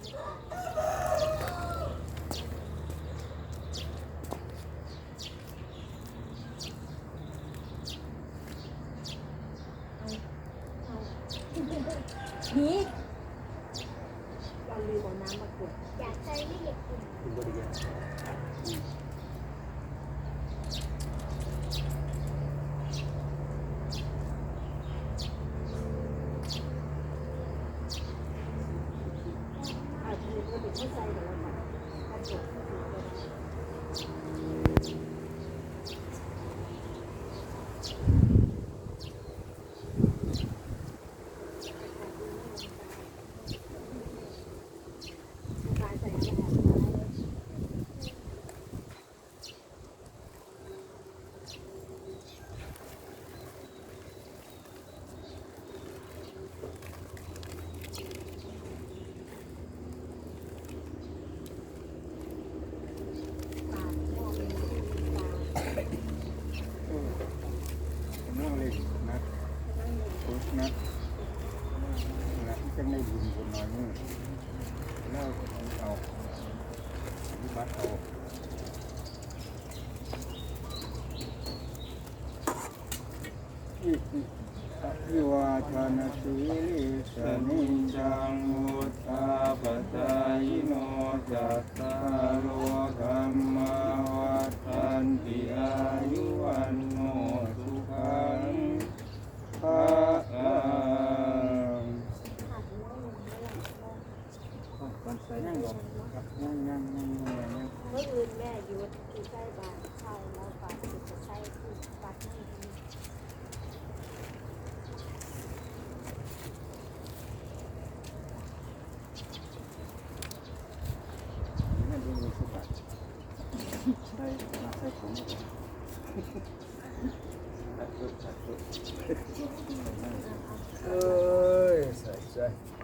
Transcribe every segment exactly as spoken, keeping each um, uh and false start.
นี่เราลืมเอาน้ำมากดอยากใช้ไม่เด็กกินคุณบริยาอาจจะเป็นคนที่ใส่แต่ละแบบกระจกนะนะจะไม่บุญบุญน้อยมือแล้วเอาวิบัติเอาอิติอิวาทานาสีลิสนิจังมุตตาปตายโนจัตตาโลธรรมาวัฏันติอายุวันโนสุขังพระยังบอกครับยังยังยังยังเมื่อคืนแม่อยู่ที่ใกล้บ้านเช่าแล้วฝากจะใช้ที่วัดนี่ไม่รู้มีสุบัติใช่มาใช่ผมเอ้ยใส่ใจ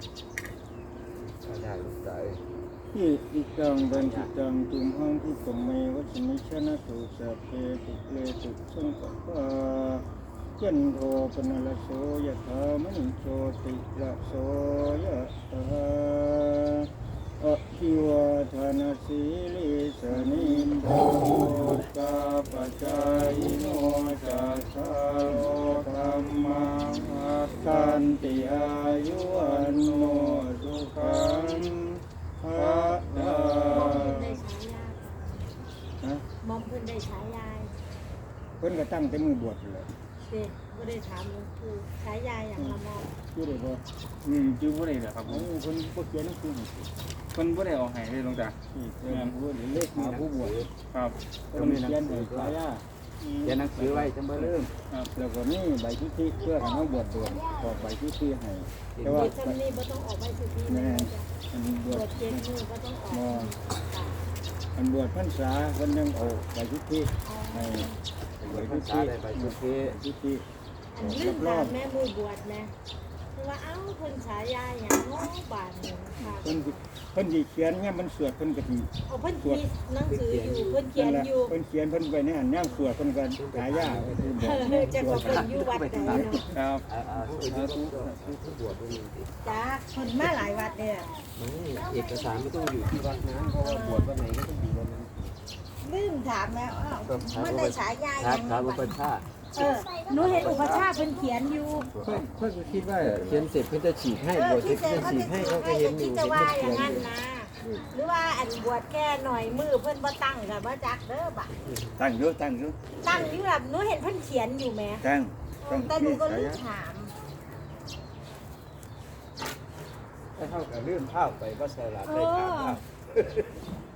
ได้ลูกใจที่อิจังบันทิจังตุมหังที่ตมเมวัชมิชนะตุสัพเพตุเลตุสังกัปปะยันโทปนลโสยะธามนิโชติละโสยะธาอะคิวาทานาสีลิสนิมโภตาปัจจายโนจัตตาโลธรรมาวัฏันติอายุวันโนสุขังพระดามอมเพิ่นได้ฉายาเพิ่นก็ตั้งแต่มือบวชเลยเด็กก็ได้ถามหลวงปู่ฉายาอย่างละมอมชื่อได้บ่อืมชื่อบ่ได้เหรอครับผมเพิ่นบ่เขียนหนังสือเพิ่นบ่ได้เอาให้เลยหลวงตานี่เพิ่นผู้เลขหาผู้บวชครับเพิ่นเขียนให้ฉายาเขียนหนังสือไว้จังบ่ลืมครับแล้วก็มีใบทิฐิเพื่อให้เฮาบวชดวงขอใบทิฐิให้แต่ว่าจำนี้บ่ต้องออกใบทิฐิแม่อันบวชเจ็ดมื้อบ่ต้องออกอันบวชพรรษาเพิ่นยังเอาใบทิฐิให้ใบทิฐิใบทิฐิทิฐิอันลืมถามแม่มือบวชนะคือว่าเอ้าเพิ่นฉายาหยังเนาะบาดนี้ค่ะเพิ่นเพิ่นสิเขียนเนี่ยมันสวดเพิ่นก็สิเอาเพิ่นมีหนังสืออยู่เพิ่นเขียนอยู่เพิ่นเขียนเพิ่นไว้ในอันย่างสวดเพิ่นก็ฉายาคือบอกจะก็เพิ่นอยู่วัดใดเนาะครับอ่าๆผู้ผู้บวชบ่มีจ้าเพิ่นมาหลายวัดเด้อเอกสารไม่ต้องอยู่ที่วัดนะเพราะว่าบวชวันไหนก็ต้องอยู่วันนั้นลืมถามแล้วอ้าวมันได้ฉายาหยังครับอุปชาเออหนูเห็นอุปชาเพิ่นเขียนอยู่เพิ่นเพิ่นก็คิดว่าเขียนเสร็จเพิ่นจะฉีดให้บวชเสร็จเพิ่นฉีดให้เขาก็เห็นอยู่จะว่าอย่างนั้นนะหรือว่าอันบวชแค่หน่อยมือเพิ่นบ่ตั้งก็บ่จักเด้อบัดตั้งอยู่ตั้งอยู่ตั้งอยู่แบบหนูเห็นเพิ่นเขียนอยู่แหมตั้งแต่หนูก็ลืมถามถ้าเฮาก็ลืมภาพไปบ่ใช่ล่ะไปถามภาพ